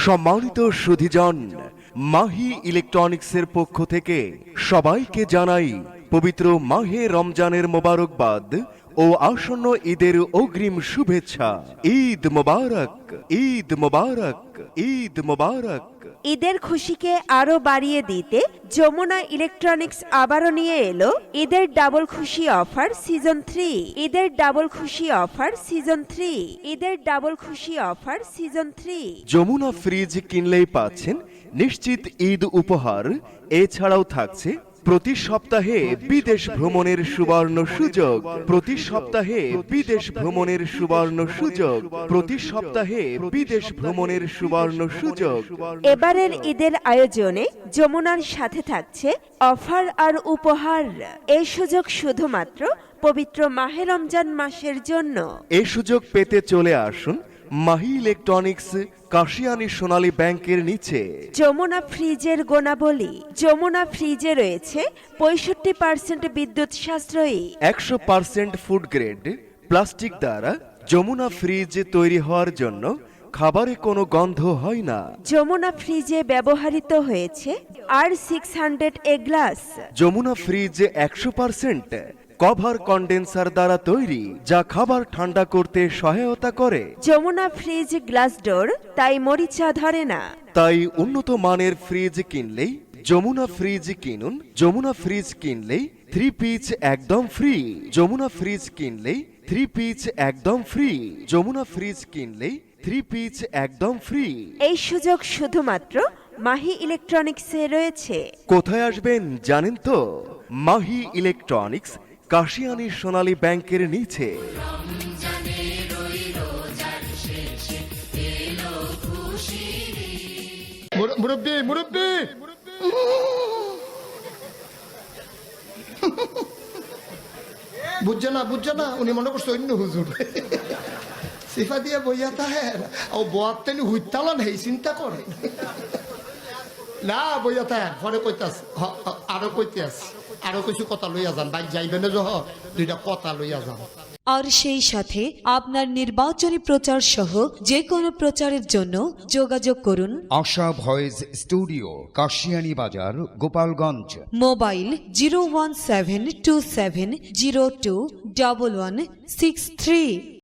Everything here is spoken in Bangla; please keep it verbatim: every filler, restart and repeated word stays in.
সম্মানিত সুধীজন, মাহি ইলেকট্রনিক্সের পক্ষ থেকে সবাইকে জানাই পবিত্র মাহে রমজানের মোবারকবাদ ও আসন্ন ঈদের অগ্রিম শুভেচ্ছা। ঈদ মোবারক, ঈদ মোবারক, ঈদ মোবারক। ঈদের খুশিকে আরো বাড়িয়ে দিতে যমুনা ইলেকট্রনিক্স আবারও নিয়ে এলো ঈদের ডাবল খুশি অফার সিজন থ্রি। ঈদের ডাবল খুশি অফার সিজন থ্রি। ঈদের ডাবল খুশি offer season three. Jamuna fridge কিনলেই পাচ্ছেন নিশ্চিত ঈদ উপহার। এছাড়াও থাকছে প্রতি সপ্তাহে বিদেশ ভ্রমণের সুবর্ণ সুযোগ। প্রতি সপ্তাহে বিদেশ ভ্রমণের সুবর্ণ সুযোগ। প্রতি সপ্তাহে বিদেশ ভ্রমণের সুবর্ণ সুযোগ। এবারের ঈদের আয়োজনে যমুনার সাথে থাকছে অফার আর উপহার। এই সুযোগ শুধুমাত্র পবিত্র মাহে রমজান মাসের জন্য। এই সুযোগ পেতে চলে আসুন মাহি ইলেকট্রনিক্স, কাশিয়ানী সোনালী ব্যাংকের নিচে। যমুনা ফ্রিজের গুণাবলী। যমুনা ফ্রিজে রয়েছে পঁয়ষট্টি পার্সেন্ট বিদ্যুৎ সাশ্রয়ী, একশো পার্সেন্ট ফুড গ্রেড প্লাস্টিক দ্বারা যমুনা ফ্রিজ তৈরি হওয়ার জন্য খাবারে কোনো গন্ধ হয় না। যমুনা ফ্রিজে ব্যবহৃত হয়েছে R six hundred A glass. Jamuna fridge একশো পার্সেন্ট কভার কন্ডেন্সার দ্বারা তৈরি, যা খাবার ঠান্ডা করতে সহায়তা করে। যমুনা ফ্রিজ গ্লাস ডোর, তাই মরিচা ধরে না। তাই উন্নত মানের ফ্রিজ কিনলেই যমুনা ফ্রিজ কিনুন। যমুনা ফ্রিজ কিনলেই থ্রি পিচ একদম ফ্রি। যমুনা ফ্রিজ কিনলেই থ্রি পিচ একদম ফ্রি। যমুনা ফ্রিজ কিনলেই থ্রি পিচ একদম ফ্রি। এই সুযোগ শুধুমাত্র মাহি ইলেকট্রনিক্সে রয়েছে। কোথায় আসবেন জানেন তো? মাহি ইলেকট্রনিক্স, কাশিয়ানী সোনালী ব্যাংকের নিচে। মুরব্বী মুরব্বী বুঝছে না বুঝছে না উনি মনে করছে অন্য হুজুর সিফা দিয়ে বইয়া তাহে ও বোয়ার তেনি হুইতালান হেই চিন্তা করে না বইয়া তাহে পরে কইতাস আরো কইতাস আরো কিছু কথা লইয়া যান বাইক যাইবে না যহ দুইটা কথা লইয়া যান। আর সেই সাথে আপনার নির্বাচনী প্রচার সহ যে কোনো প্রচারের জন্য যোগাযোগ করুন আশা ভয়েস স্টুডিও, কাশিয়ানী বাজার, Gopalganj. Mobile zero one seven two seven zero two double one six three.